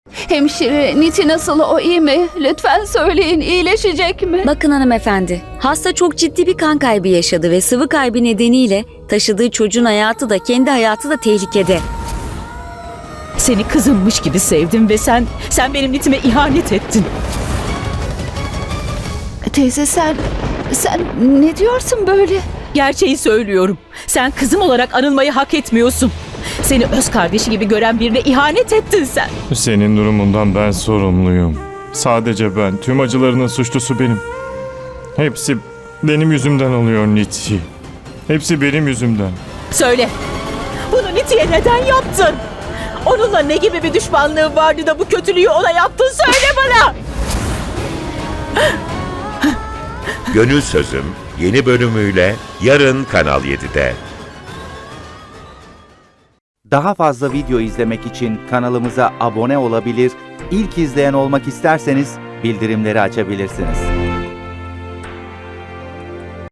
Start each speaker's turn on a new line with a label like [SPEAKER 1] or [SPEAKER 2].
[SPEAKER 1] Hemşire, Niti nasıl, o iyi mi? Lütfen söyleyin, iyileşecek mi?
[SPEAKER 2] Bakın hanımefendi, hasta çok ciddi bir kan kaybı yaşadı ve sıvı kaybı nedeniyle taşıdığı çocuğun hayatı da kendi hayatı da tehlikede.
[SPEAKER 3] Seni kızımmış gibi sevdim ve sen benim Nitim'e ihanet ettin.
[SPEAKER 1] Teyze sen ne diyorsun böyle?
[SPEAKER 3] Gerçeği söylüyorum. Sen kızım olarak anılmayı hak etmiyorsun. Seni öz kardeşi gibi gören birine ihanet ettin sen.
[SPEAKER 4] Senin durumundan ben sorumluyum. Sadece ben. Tüm acılarının suçlusu benim. Hepsi benim yüzümden oluyor Niti. Hepsi benim yüzümden.
[SPEAKER 3] Söyle. Bunu Niti'ye neden yaptın? Onunla ne gibi bir düşmanlığın vardı da bu kötülüğü ona yaptın? Söyle bana.
[SPEAKER 5] Gönül Sözüm yeni bölümüyle yarın Kanal 7'de.
[SPEAKER 6] Daha fazla video izlemek için kanalımıza abone olabilir, ilk izleyen olmak isterseniz bildirimleri açabilirsiniz.